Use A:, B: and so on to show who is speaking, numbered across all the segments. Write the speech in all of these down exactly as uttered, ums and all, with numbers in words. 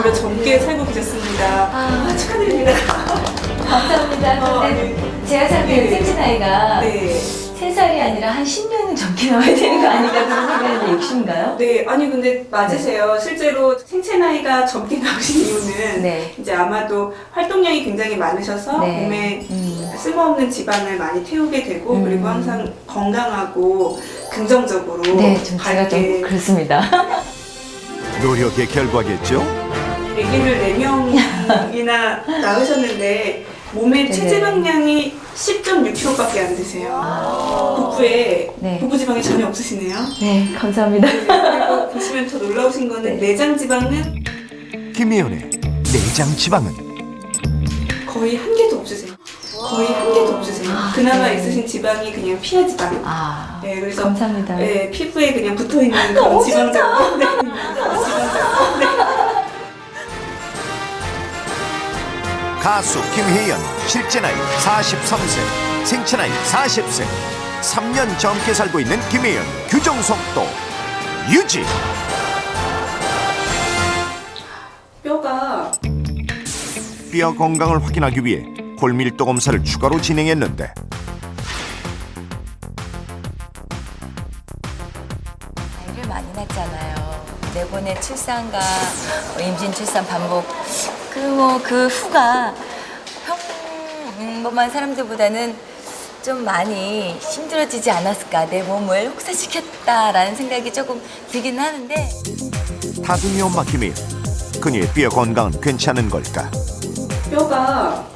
A: 오히려 젊게 살고 계셨습니다.
B: 아.
A: 아, 축하드립니다.
B: 감사합니다.
A: 어,
B: 근데
A: 네.
B: 제가 생각해요. 생체 나이가
A: 네.
B: 세 살이 아니라 한 십 년은 젊게 나와야 되는 거 아닌가 그런 생각하는데 욕심인가요?
A: 네, 아니 근데 맞으세요. 실제로 생체 나이가 젊게 나오신 이유는
B: 네.
A: 이제 아마도 활동량이 굉장히 많으셔서
B: 네.
A: 몸에
B: 음.
A: 쓸모없는 지방을 많이 태우게 되고
B: 음.
A: 그리고 항상 건강하고 긍정적으로
B: 네, 좀 제가 좀
A: 밝게
B: 그렇습니다.
C: 노력의 결과겠죠?
A: 아기를 네 명이나 낳으셨는데 몸의
B: 네네.
A: 체지방량이 십 점 육 킬로그램밖에 안 되세요. 복부에
B: 네.
A: 복부 지방이 전혀 없으시네요.
B: 네, 감사합니다.
A: 네, 그리고 보시면 더 놀라우신 거는
B: 네.
A: 내장 지방은
C: 김혜연의 내장 지방은
A: 거의 한 개도 없으세요. 거의 한 개도 없으세요.
B: 아,
A: 그나마
B: 네.
A: 있으신 지방이 그냥 피하 지방.
B: 아,
A: 네, 그래서
B: 감사합니다.
A: 네, 피부에 그냥 붙어 있는 그런 지방장. 네, 지방장. 네.
C: 가수 김혜연 실제 나이 사십삼 세, 생체 나이 사십 세, 삼 년 젊게 살고 있는 김혜연 규정 속도 유지.
A: 뼈가
C: 뼈 건강을 확인하기 위해 골밀도 검사를 추가로 진행했는데
B: 아이를 많이 낳잖아요. 네 번의 출산과 임신 출산 반복 그 뭐 그 후가 평범한 사람들보다는 좀 많이 힘들어지지 않았을까, 내 몸을 혹사시켰다라는 생각이 조금 들긴 하는데
C: 다둥이 엄마 김혜연, 그녀의 뼈 건강은 괜찮은 걸까?
A: 뼈가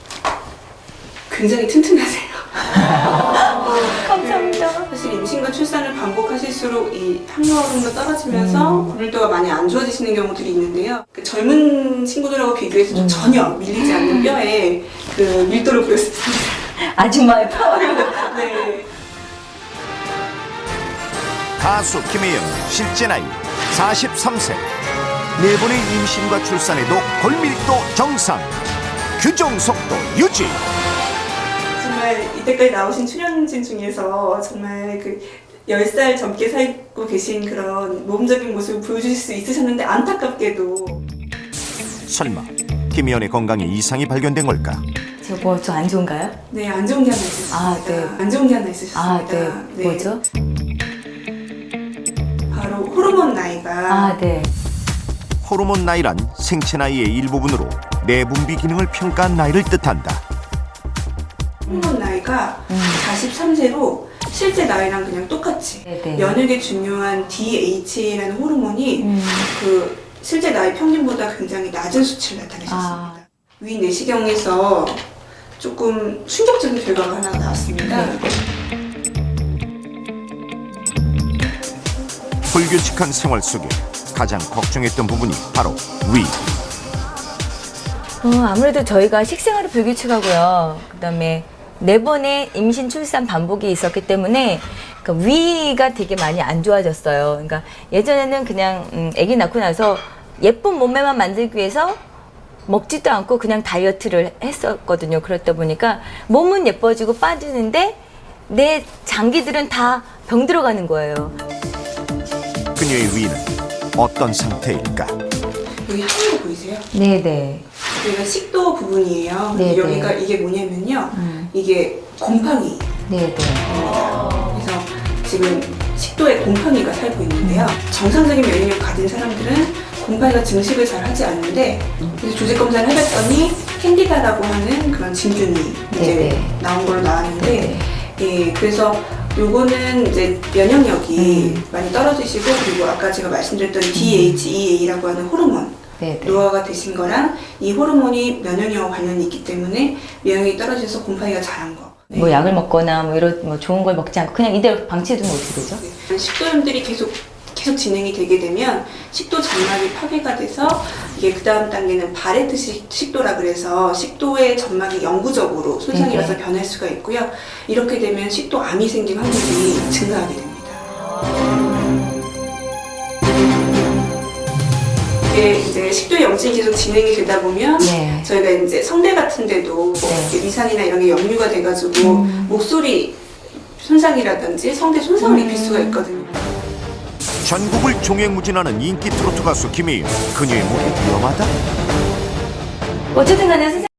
A: 굉장히 튼튼하세요.
B: 감사합니다.
A: 사실 임신과 출산을 반복하실수록 이 항노화물도 떨어지면서 골밀도가 많이 안 좋아지시는 경우들이 있는데요. 그 젊은 친구들하고 비교해서 좀 전혀 밀리지 않는 뼈에 그 밀도를 보였습니다.
B: 아줌마의 파워를.
A: 네.
C: 가수 김혜연 실제 나이 사십삼 세, 네 번의 임신과 출산에도 골밀도 정상, 규정 속도 유지.
A: 정말 이때까지 나오신 출연진 중에서 정말 그 열 살 젊게 살고 계신 그런 모범적인 모습을 보여주실 수 있으셨는데 안타깝게도
C: 설마 김혜연의 건강에 이상이 발견된 걸까?
B: 저 뭐 저 안 좋은가요?
A: 네, 안 좋은 게 하나 있으셨습니다.
B: 아, 네.
A: 안 좋은 게 하나 있으셨습니다.
B: 아, 네. 뭐죠?
A: 바로 호르몬 나이가
B: 아, 네.
C: 호르몬 나이란 생체 나이의 일부분으로 내분비 기능을 평가한 나이를 뜻한다.
A: 호르몬 나이가
B: 음.
A: 사십삼 세로 실제 나이랑 그냥 똑같이
B: 네네.
A: 면역에 중요한 디에이치에이라는 호르몬이
B: 음.
A: 그 실제 나이 평균보다 굉장히 낮은 수치를 나타내셨습니다.
B: 아.
A: 위 내시경에서 조금 충격적인 결과가 하나 나왔습니다.
B: 네.
C: 불규칙한 생활 속에 가장 걱정했던 부분이 바로 위.
B: 어, 아무래도 저희가 식생활이 불규칙하고요. 그다음에 네 번의 임신 출산 반복이 있었기 때문에 그러니까 위가 되게 많이 안 좋아졌어요. 그러니까 예전에는 그냥 음, 아기 낳고 나서 예쁜 몸매만 만들기 위해서 먹지도 않고 그냥 다이어트를 했었거든요. 그렇다 보니까 몸은 예뻐지고 빠지는데 내 장기들은 다 병 들어가는 거예요.
C: 그녀의 위는 어떤 상태일까?
A: 여기 하얀 거 보이세요?
B: 네네.
A: 여기가 식도 부분이에요.
B: 네,
A: 여기가
B: 네.
A: 이게 뭐냐면요.
B: 음.
A: 이게 곰팡이.
B: 네네.
A: 그래서 지금 식도에 곰팡이가 살고 있는데요. 정상적인 면역력 가진 사람들은 곰팡이가 증식을 잘 하지 않는데 그래서 조직 검사를 해봤더니 캔디다라고 하는 그런 진균이 이제
B: 네네.
A: 나온 걸로 나왔는데
B: 네네.
A: 예, 그래서 요거는 이제 면역력이
B: 음.
A: 많이 떨어지시고 그리고 아까 제가 말씀드렸던 디에이치이에이라고 하는 호르몬
B: 네네.
A: 노화가 되신 거랑 이 호르몬이 면역력과 관련이 있기 때문에 면역력이 떨어져서 곰팡이가 자란 거. 네.
B: 뭐 약을 먹거나 뭐 이런 뭐 좋은 걸 먹지 않고 그냥 이대로 방치해두면 어떻게 되죠?
A: 네. 식도염들이 계속 계속 진행이 되게 되면 식도 점막이 파괴가 돼서 이게 그 다음 단계는 바레트 식- 식도라 그래서 식도의 점막이 영구적으로 손상이
B: 네네.
A: 와서 변할 수가 있고요. 이렇게 되면 식도암이 생길 확률이 증가하게 됩니다. 이게 이제 식도 염증이 계속 진행이 되다 보면
B: 네.
A: 저희가 이제 성대 같은 데도
B: 네.
A: 이렇게 위산이나 이런 게 역류가 돼가지고
B: 음.
A: 목소리 손상이라든지 성대 손상을
B: 음.
A: 입힐 수가 있거든요.
C: 전국을 종횡무진하는 인기 트로트 가수 김혜연. 그녀의 목이 위험하다?
B: 어쨌든 간에 선생님